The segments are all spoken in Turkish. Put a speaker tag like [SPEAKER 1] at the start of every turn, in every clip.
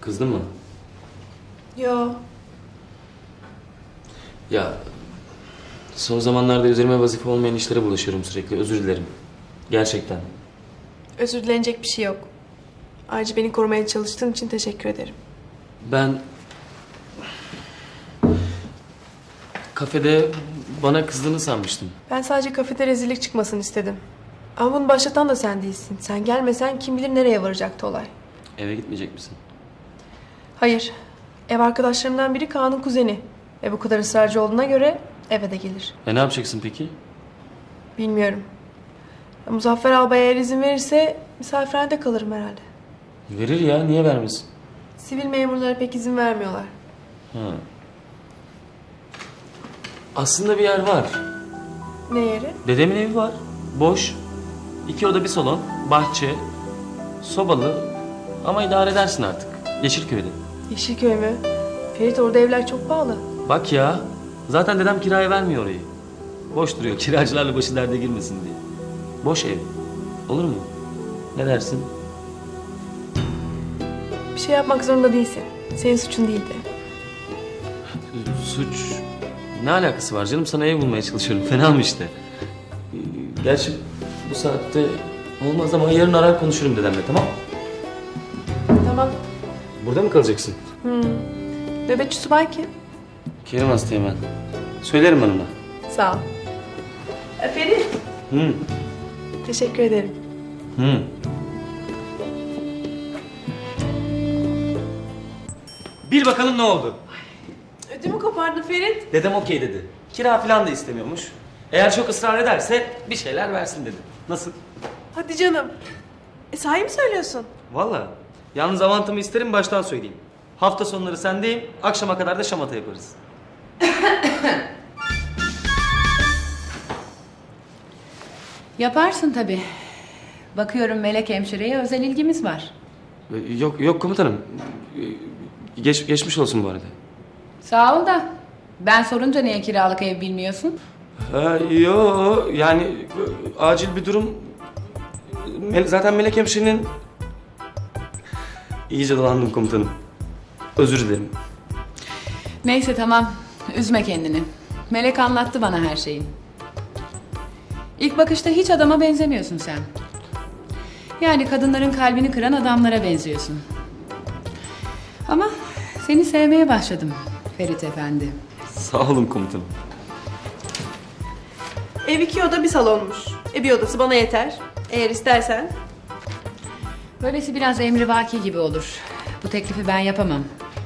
[SPEAKER 1] Kızdın mı?
[SPEAKER 2] Yo.
[SPEAKER 1] Ya son zamanlarda üzerime vazife olmayan işlere bulaşıyorum sürekli. Özür dilerim. Gerçekten.
[SPEAKER 2] Özür dilenecek bir şey yok. Ayrıca beni korumaya çalıştığın için teşekkür ederim.
[SPEAKER 1] Ben kafede bana kızdığını sanmıştım.
[SPEAKER 2] Ben sadece kafede rezillik çıkmasını istedim. Ama bunu başlatan da sen değilsin. Sen gelmesen kim bilir nereye varacaktı olay.
[SPEAKER 1] Eve gitmeyecek misin?
[SPEAKER 2] Hayır. Ev arkadaşlarımdan biri Kaan'ın kuzeni. Ve bu kadar ısrarcı olduğuna göre eve de gelir.
[SPEAKER 1] Ne yapacaksın peki?
[SPEAKER 2] Bilmiyorum. Ya Muzaffer Albay eğer izin verirse misafirhanede kalırım herhalde.
[SPEAKER 1] Verir ya, niye vermesin?
[SPEAKER 2] Sivil memurlara pek izin vermiyorlar.
[SPEAKER 1] Ha. Aslında bir yer var.
[SPEAKER 2] Ne yeri?
[SPEAKER 1] Dedemin evi var. Boş. 2 oda bir salon. Bahçe. Sobalı. Ama idare edersin artık. Yeşilköy'de.
[SPEAKER 2] Yeşilköy mü? Ferit, orada evler çok pahalı.
[SPEAKER 1] Bak ya. Zaten dedem kiraya vermiyor orayı. Boş duruyor. Kiracılarla başı derde girmesin diye. Boş ev. Olur mu? Ne dersin?
[SPEAKER 2] Bir şey yapmak zorunda değilsin. Senin suçun değildi.
[SPEAKER 1] Suç. Ne alakası var canım? Sana ev bulmaya çalışıyorum. Fena mı işte? Gerçi bu saatte olmaz ama yarın arar konuşurum dedemle, tamam?
[SPEAKER 2] Tamam.
[SPEAKER 1] Burada mı kalacaksın?
[SPEAKER 2] Nöbetçi subay kim?
[SPEAKER 1] Kerim hastayım ben. Söylerim ben ona.
[SPEAKER 2] Sağ ol. Ferit.
[SPEAKER 1] Hı.
[SPEAKER 2] Teşekkür ederim.
[SPEAKER 1] Hı. Bil bakalım ne oldu?
[SPEAKER 2] Ödümü kopardın Ferit.
[SPEAKER 1] Dedem okey dedi. Kira falan da istemiyormuş. Eğer çok ısrar ederse bir şeyler versin dedi. Nasıl?
[SPEAKER 2] Hadi canım. Sahi mi söylüyorsun?
[SPEAKER 1] Vallahi. Yalnız avantımı isterim, baştan söyleyeyim. Hafta sonları sendeyim, akşama kadar da şamata yaparız.
[SPEAKER 3] Yaparsın tabii. Bakıyorum Melek hemşireye özel ilgimiz var.
[SPEAKER 1] Yok komutanım. Geçmiş olsun bu arada.
[SPEAKER 3] Sağ ol da. Ben sorunca niye kiralık ev bilmiyorsun?
[SPEAKER 1] Yo yani acil bir durum. Zaten Melek hemşirenin... İyice dolandım komutanım. Özür dilerim.
[SPEAKER 3] Neyse tamam. Üzme kendini. Melek anlattı bana her şeyi. İlk bakışta hiç adama benzemiyorsun sen. Yani kadınların kalbini kıran adamlara benziyorsun. Ama seni sevmeye başladım Ferit Efendi.
[SPEAKER 1] Sağ olun komutanım.
[SPEAKER 2] Ev 2 oda bir salonmuş. Bir odası bana yeter. Eğer istersen.
[SPEAKER 3] Böylesi biraz emrivaki gibi olur. Bu teklifi ben yapamam.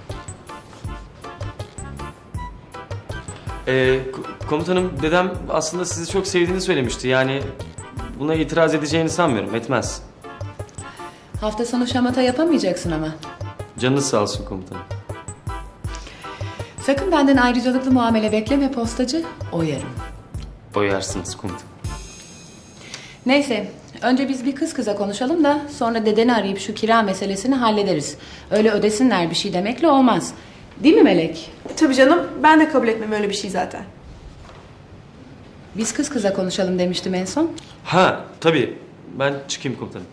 [SPEAKER 1] Komutanım dedem aslında sizi çok sevdiğini söylemişti. Yani buna itiraz edeceğini sanmıyorum. Etmez.
[SPEAKER 3] Hafta sonu şamata yapamayacaksın ama.
[SPEAKER 1] Canınız sağ olsun komutanım.
[SPEAKER 3] Sakın benden ayrıcalıklı muamele bekleme postacı, oyarım.
[SPEAKER 1] Boyarsınız komutanım.
[SPEAKER 3] Neyse, önce biz bir kız kıza konuşalım da sonra dedeni arayıp şu kira meselesini hallederiz. Öyle ödesinler bir şey demekle olmaz. Değil mi Melek?
[SPEAKER 2] Tabii canım, ben de kabul etmem öyle bir şey zaten.
[SPEAKER 3] Biz kız kıza konuşalım demiştim en son.
[SPEAKER 1] Ha tabii. Ben çıkayım komutanım.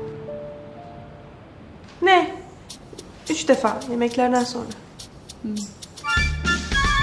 [SPEAKER 2] Ne? 3 defa yemeklerden sonra.